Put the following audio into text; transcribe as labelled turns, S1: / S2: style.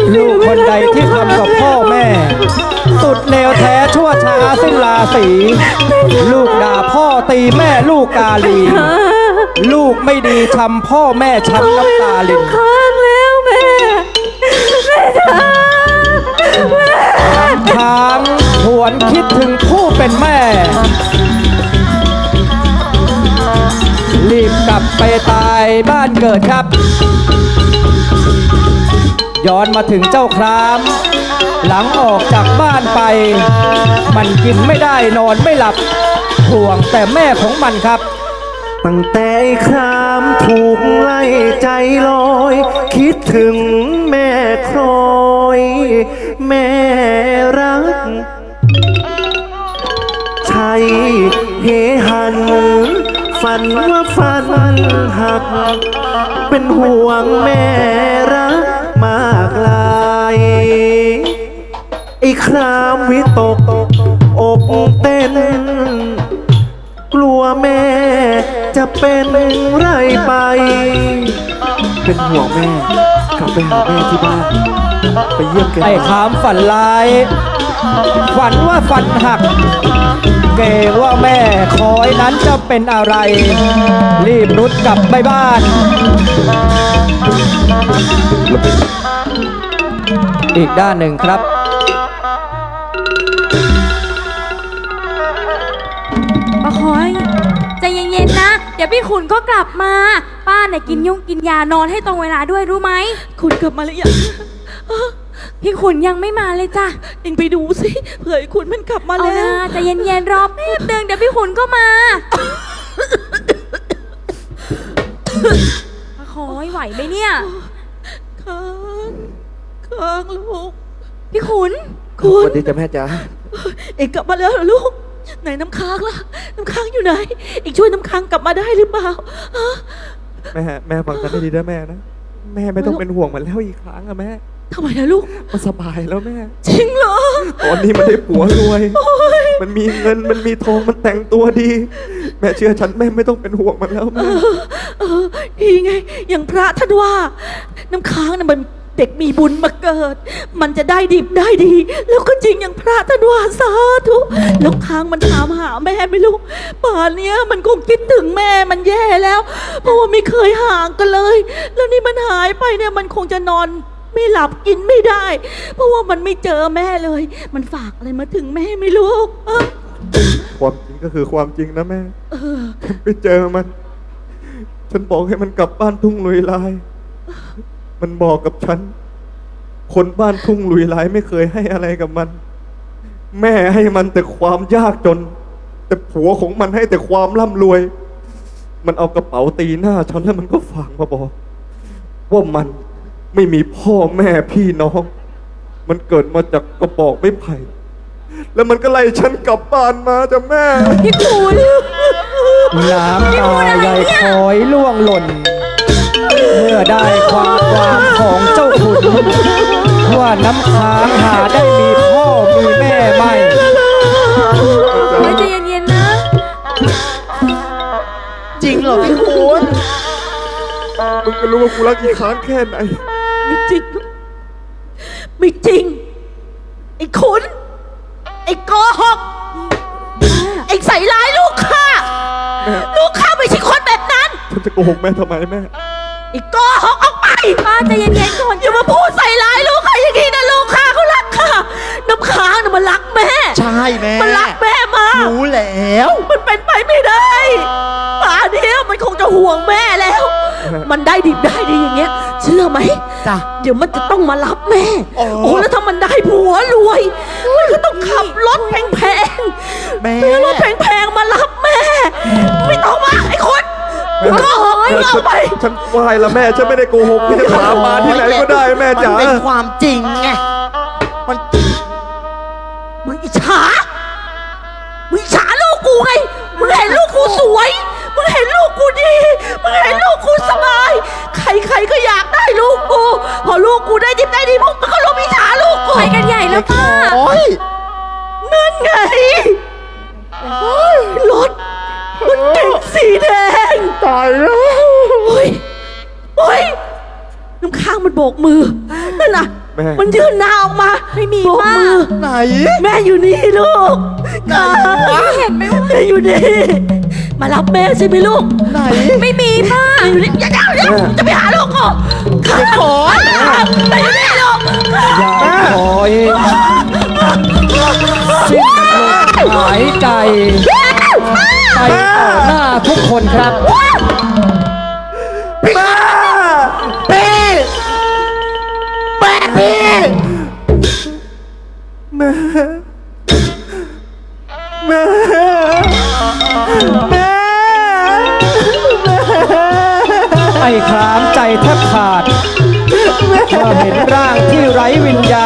S1: ลูกคนใดที่ทำกับพ่อแม่สุดเลวแท้ชั่วช้าสิ้นราศีลูกด่าพ่อตีแม่ลูกกาลีลูกไม่ดีทำพ่อแม่ช้ำน้ำตาลิน
S2: ค้างแล้วแม่
S1: ค้างหวนคิดถึงผู้เป็นแม่รีบกลับไปตายบ้านเกิดครับย้อนมาถึงเจ้าครามหลังออกจากบ้านไปมันกินไม่ได้นอนไม่หลับห่วงแต่แม่ของมันครับ
S3: ตั้งแต่ครามถูกไล่ใจลอยคิดถึงแม่ครอยแม่รักใช่เฮหันฝันว่าฝันหักเป็นห่วงแม่รักมากลายไอ้ครามวิตกอกเต้นกลัวแม่จะเป็นไรไปเป็นห่วงแม่กลับไปหาแม่ที่บ้านไปเยี่ยมแก
S1: ไอ้ขามฝันร้ายฝันว่าฝันหักเกรงว่าแม่คอยนั้นจะเป็นอะไรรีบรุดกลับไปบ้านอีกด้านหนึ่งครับ
S2: ป้าคอยใจเย็นๆนะเดี๋ยวพี่ขุนก็กลับมาป้าเนี่ยกินกินยานอนให้ตรงเวลาด้วยรู้ไหม
S4: คุณกลับมาหรือยัง
S2: พี่ขุนยังไม่มาเลยจ้ะ
S4: เอ็งไปดูสิเผื่อไอ้คุณมันกลับมาแล้ว
S2: ใจเย็นๆรอแป๊บนึงเดี๋ยวพี่ขุนก็มาป้าคอยไหวไหมเนี่ย
S4: ค้างลูก
S2: พี่ขุน
S3: คุณสวัสดีจ้ะแม่จ๋า
S4: เอ็งกลับมาแล้วเหรอลูกไหนน้ำค้างล่ะน้ำค้างอยู่ไหนเอ็งช่วยน้ำค้างกลับมาได้หรือเปล่า
S3: แม่ฟังฉันให้ดีนะแม่นะแม่ไม่ต้องเป็นห่วงมันแล้วอีกครั้งอะแม่
S4: ทำไมนะลูก
S3: มันสบายแล้วแม่
S4: จริงเหรอ
S3: ตอนนี้มันได้ผัวรวยมันมีเงินมันมีทองมันแต่งตัวดีแม่เชื่อฉันแม่ไม่ต้องเป็นห่วงมันแล้วแม่
S4: ดีไงอย่างพระท่านว่าน้ำค้างน่ะมันเด็กมีบุญมาเกิดมันจะได้ดิบได้ดีแล้วก็จริงอย่างพระท่านว่าสาธุแล้วค้างมันถามหาแม่ไม่รู้ป่านเนี้ยมันคงคิดถึงแม่มันแย่แล้วเพราะว่าไม่เคยห่างกันเลยแล้วนี่มันหายไปเนี่ยมันคงจะนอนไม่หลับกินไม่ได้เพราะว่ามันไม่เจอแม่เลยมันฝากอะไรมาถึงแม่ไม่รู้
S3: ความจริงก็คือความจริงนะแม่ฉันไปเจอมันฉันบอกให้มันกลับบ้านทุ่งลุยลายมันบอกกับฉันคนบ้านทุ่งลุยลายไม่เคยให้อะไรกับมันแม่ให้มันแต่ความยากจนแต่ผัวของมันให้แต่ความร่ำรวยมันเอากระเป๋าตีหน้าฉันแล้วมันก็ฝากมาบอกว่ามันไม่มีพ่อแม่พี่น้องมันเกิดมาจากกระบอกไม้ไผ่แล้วมันก็ไล่ฉันกลับบ้านมาจ้ะแม่
S2: พี่ขุน
S1: น้ำตาใหญ่คอยล่วงหล่นเมื่อได้ความของเจ้าขุนว่าน้ำค้างหาได้มีพ่อมีแม่ไม่
S2: ใจเย็นๆนะ
S3: จริงเหรอพี่ขุนมึงก็รู้ว่ากูรักอีค้างแค่ไหน
S4: ไม่จริงไม่จริงไอ้ขุนไอ้โกหกไอ้ใส่ร้ายลูกข้าลูกข้าไม่ใช่คนแบบนั้น
S3: ฉันจะโกหกแม่ทำไมแม่
S4: ไอ้โกหกออกไป
S2: ป้าใจเย็นๆก่อน
S4: อย่ามาพูดใส่ร้ายลูกข้าอย่างนี้นะลูกข้าเขารักข้าน้ำค้างน่ะมันรักแม่
S3: ใช่แม่
S4: มันรักแม่มาก
S3: รู้แล้ว
S4: มันเป็นไปไม่ได้ป่านนี้มันคงจะห่วงแม่แล้วมันได้ดิบได้ดีอย่างเงี้ยเชื่อไหม
S3: จ้ะ
S4: เดี๋ยวมันจะต้องมารับแม่โอ้แล้วถ้ามันได้ผัวรวยมันก็ต้องขับรถแพงๆ
S3: แม่
S4: รถแพงๆมารับแม่ไม่ต้องมาไอ้คนก็หอยเอาไป
S3: ฉันไหว้ละแม่ฉันไม่ได้โกหกพี่จะถามมาที่ไหนก็ได้แม่จ๋า
S5: มันเป็นความจริงไง
S4: มึงอิจฉาลูกกูไงมึงเห็นลูกกูสวยมึงเห็นลูกกูดีมึงเห็นลูกกูสบายใครก็อยากได้ลูกกูพอลูกกูได้ดิบได้ดีพวกมันก็รู้อิจฉาลูกกู
S2: ไปกันใหญ่แล้วป้า
S4: นั่นไงรถมันเก่งสีแดง
S3: ตายแล้ว
S4: โอ้ยน้ำค้างมันโบกมือนั่นน่ะ
S3: แม่
S4: มันยืนหน้าออกมา
S2: ไม่มี
S4: โบก
S2: ป้า
S4: มือ
S3: ไหน
S4: แม่อยู่นี่ลูกเห็นไหมว่าแม่อยู่นี่ มารับแม่ใช่ไหมลูก
S3: ไหน
S2: ไม่มีป้า
S4: แม่อยู่นี่อย่าจะไปหาลูกก่อนขอแม่อยู่นี่ลูก
S1: ยายขอยสิ้นลมหายใจ ไปต่อหน้าทุกคนครับ
S3: แม่พี่แม่พี่แม่แม่แม่
S1: ไอ้ครามใจแทบขาดเมื่อเห็นร่างที่ไร้วิญญ